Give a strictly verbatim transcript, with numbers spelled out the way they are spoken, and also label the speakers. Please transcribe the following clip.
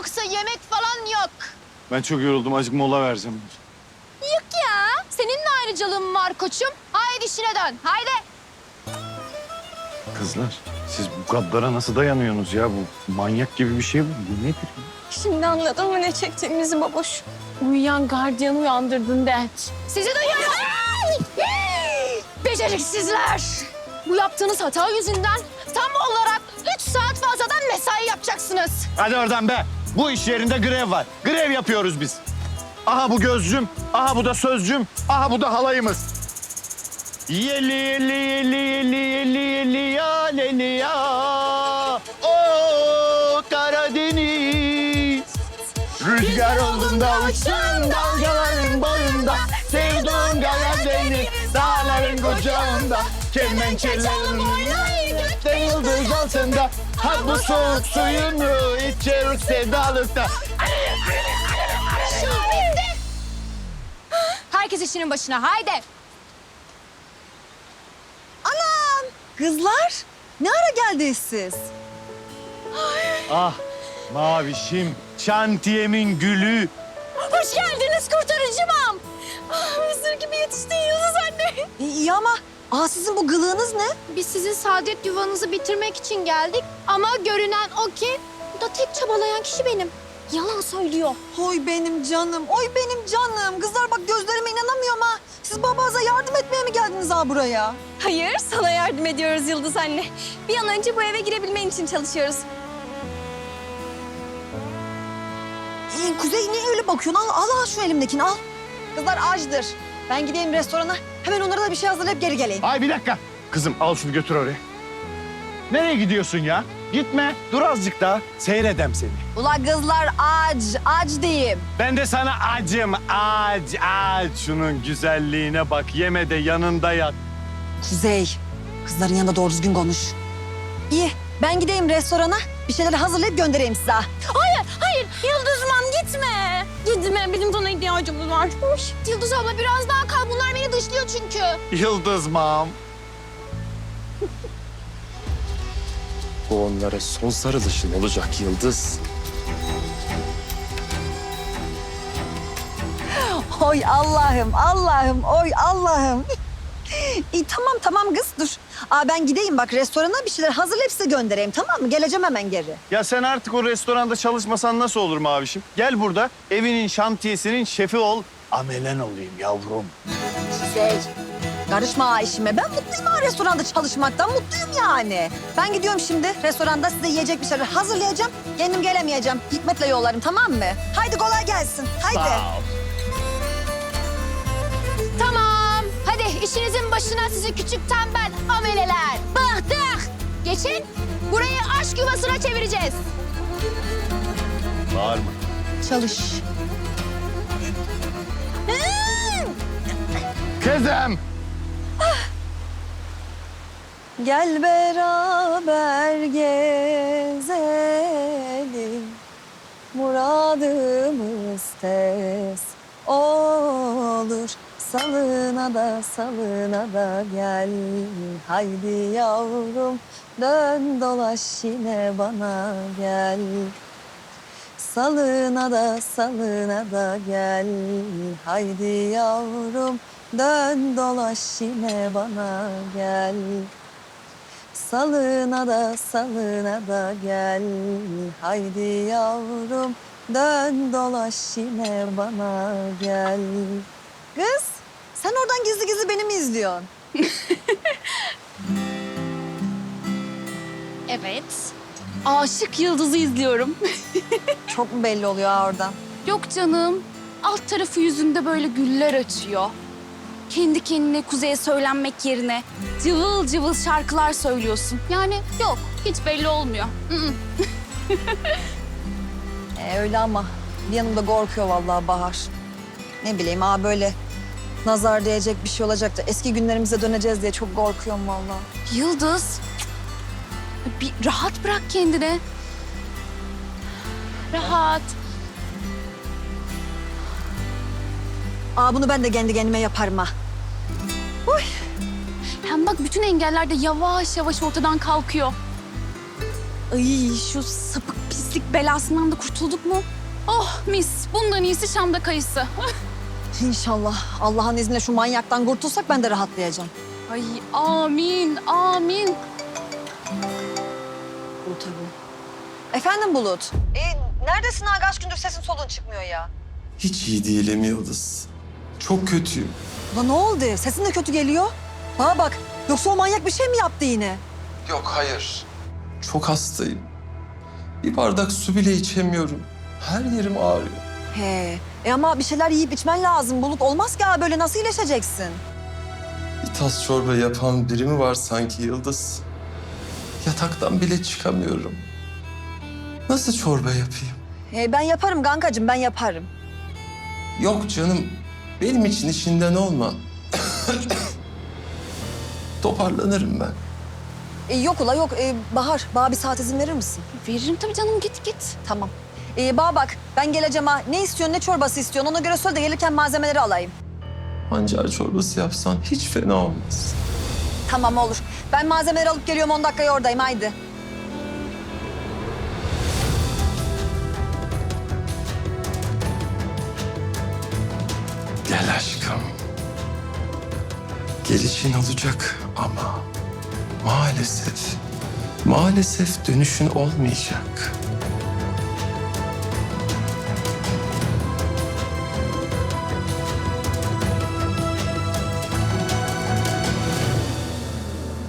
Speaker 1: Yoksa yemek falan yok.
Speaker 2: Ben çok yoruldum. Azıcık mola vereceğim.
Speaker 1: Yok ya. Senin de ayrıcalığın var koçum. Haydi işine dön. Haydi.
Speaker 2: Kızlar, siz bu gaddara nasıl dayanıyorsunuz ya? Bu manyak gibi bir şey bu. Bu nedir?
Speaker 3: Şimdi anladın mı ne çektiğimizi baboş?
Speaker 4: Uyuyan gardiyanı uyandırdın det.
Speaker 1: Sizi duyuyorum. Beceriksizler. Bu yaptığınız hata yüzünden tam olarak üç saat fazladan mesai yapacaksınız.
Speaker 2: Hadi oradan be. Bu iş yerinde grev var. Grev yapıyoruz biz. Aha bu gözcüm, aha bu da sözcüm, aha bu da halayımız. Yeli yeli yeli yeli yeli yeli ya leli ya. O Karadeniz. Rüzgar olduğunda uçsun dalgaların boyunda. Sevduğum Karadeniz dağların kucağında. Kemençelerin oynayıp yıldız altında. Ha bu soğuk suyunu içeriz sevdalıkta.
Speaker 1: Herkes işinin başına. Haydi.
Speaker 3: Kızlar ne ara geldiniz siz?
Speaker 2: Ah mavişim, şantiyemin gülü.
Speaker 1: Hoş geldiniz kurtarıcımam. Mısır gibi yetiştin Yıldız anne.
Speaker 3: İyi ama aa sizin bu gılığınız ne?
Speaker 1: Biz sizin saadet yuvanızı bitirmek için geldik. Ama görünen o ki bu da tek çabalayan kişi benim. Yalan söylüyor.
Speaker 3: Oy benim canım, oy benim canım. Kızlar bak gözlerime inanamıyorum ha. Siz babanıza yardım etmeye mi geldiniz ha buraya?
Speaker 5: Hayır, sana yardım ediyoruz Yıldız anne. Bir an önce bu eve girebilmen için çalışıyoruz.
Speaker 3: Ee, Kuzey niye öyle bakıyorsun? Al, al, al şu elimdekini al. Kızlar açdır. Ben gideyim restorana. Hemen onlara da bir şey hazırlayıp geri geleyim.
Speaker 2: Ay bir dakika. Kızım al şunu götür oraya. Nereye gidiyorsun ya? Gitme. Dur azıcık daha. Seyredem seni.
Speaker 3: Ula kızlar aç, aç diyeyim.
Speaker 2: Ben de sana acım. Aç, aç. Şunun güzelliğine bak. Yeme de yanında yat.
Speaker 3: Kuzey, kızların yanında doğru düzgün konuş. İyi, ben gideyim restorana. Bir şeyler hazırlayıp göndereyim size.
Speaker 5: Hayır, hayır. Yıldız mam gitme. Gitme, bizim sana ihtiyacımız var.
Speaker 1: Yıldız abla biraz daha kal. Bunlar beni dışlıyor çünkü.
Speaker 2: Yıldız mam.
Speaker 6: Bu onlara son sarılışın olacak Yıldız.
Speaker 3: Oy Allah'ım, Allah'ım, oy Allah'ım. İyi tamam tamam kız dur. Aa, ben gideyim bak restorana bir şeyler hazırlayıp size göndereyim tamam mı? Geleceğim hemen geri.
Speaker 2: Ya sen artık o restoranda çalışmasan nasıl olur mavişim? Gel burada evinin şantiyesinin şefi ol. Amelen olayım yavrum.
Speaker 3: Kuzey, karışma ha işime. Ben mutluyum ha restoranda çalışmaktan, mutluyum yani. Ben gidiyorum şimdi restoranda size yiyecek bir şeyler hazırlayacağım. Kendim gelemeyeceğim. Hikmet'le yollarım tamam mı? Haydi kolay gelsin, haydi.
Speaker 2: Sağ ol.
Speaker 1: Tamam. Hadi işinizin başına sizi küçük tembel ameleler. Bıktık. Geçin. Burayı aşk yuvasına çevireceğiz.
Speaker 2: Bağırma.
Speaker 1: Çalış.
Speaker 2: Kızım.
Speaker 3: Gel beraber gezelim, muradımız tez olur. Salına da salına da gel, haydi yavrum dön dolaş yine bana gel. Salına da salına da gel, haydi yavrum dön dolaş yine bana gel. Salına da salına da gel, haydi yavrum dön dolaş yine bana gel. Kız, sen oradan gizli gizli beni mi izliyorsun?
Speaker 4: Evet. Aşık Yıldız'ı izliyorum.
Speaker 3: Çok mu belli oluyor ha oradan?
Speaker 4: Yok canım. Alt tarafı yüzünde böyle güller açıyor. Kendi kendine Kuzey'e söylenmek yerine cıvıl cıvıl şarkılar söylüyorsun. Yani yok, hiç belli olmuyor. Mm-mm.
Speaker 3: Ee, öyle ama bir yanımda korkuyor vallahi Bahar. Ne bileyim ha böyle nazar değecek bir şey olacak da eski günlerimize döneceğiz diye çok korkuyorum vallahi.
Speaker 4: Yıldız, bir rahat bırak kendini. Rahat.
Speaker 3: Aa bunu ben de kendi kendime yaparım ha.
Speaker 4: Hem bak bütün engeller de yavaş yavaş ortadan kalkıyor. Ay şu sapık pis pislik belasından da kurtulduk mu? Oh mis. Bundan iyisi Şam'da kayısı.
Speaker 3: İnşallah Allah'ın izniyle şu manyaktan kurtulsak ben de rahatlayacağım.
Speaker 4: Ay amin, amin.
Speaker 3: Bulut abi. Efendim Bulut? E, neredesin ha? Kaç gündür sesin solun çıkmıyor ya.
Speaker 6: Hiç iyi değilim Yıldız. Çok kötüyüm.
Speaker 3: Ulan ne oldu? Sesin de kötü geliyor. Bana bak, yoksa o manyak bir şey mi yaptı yine?
Speaker 6: Yok hayır. Çok hastayım. Bir bardak su bile içemiyorum. Her yerim ağrıyor.
Speaker 3: He, e ama bir şeyler yiyip içmen lazım Bulut. Olmaz ki ha, böyle nasıl iyileşeceksin?
Speaker 6: Bir tas çorba yapan biri mi var sanki Yıldız? Yataktan bile çıkamıyorum. Nasıl çorba yapayım?
Speaker 3: E, ben yaparım kankacığım, ben yaparım.
Speaker 6: Yok canım. Benim için işinden olma. Toparlanırım ben.
Speaker 3: E, yok ula yok. E, Bahar, bana bir saat izin verir misin?
Speaker 4: Veririm tabii canım, git git.
Speaker 3: Tamam. E, bana bak, ben geleceğim ha. Ne istiyorsun, ne çorbası istiyorsun? Ona göre söyle de gelirken malzemeleri alayım.
Speaker 6: Pancar çorbası yapsan hiç fena olmaz.
Speaker 3: Tamam olur. Ben malzemeleri alıp geliyorum, on dakikaya oradayım, haydi.
Speaker 6: Gel aşkım. Gelişin olacak ama maalesef, maalesef dönüşün olmayacak.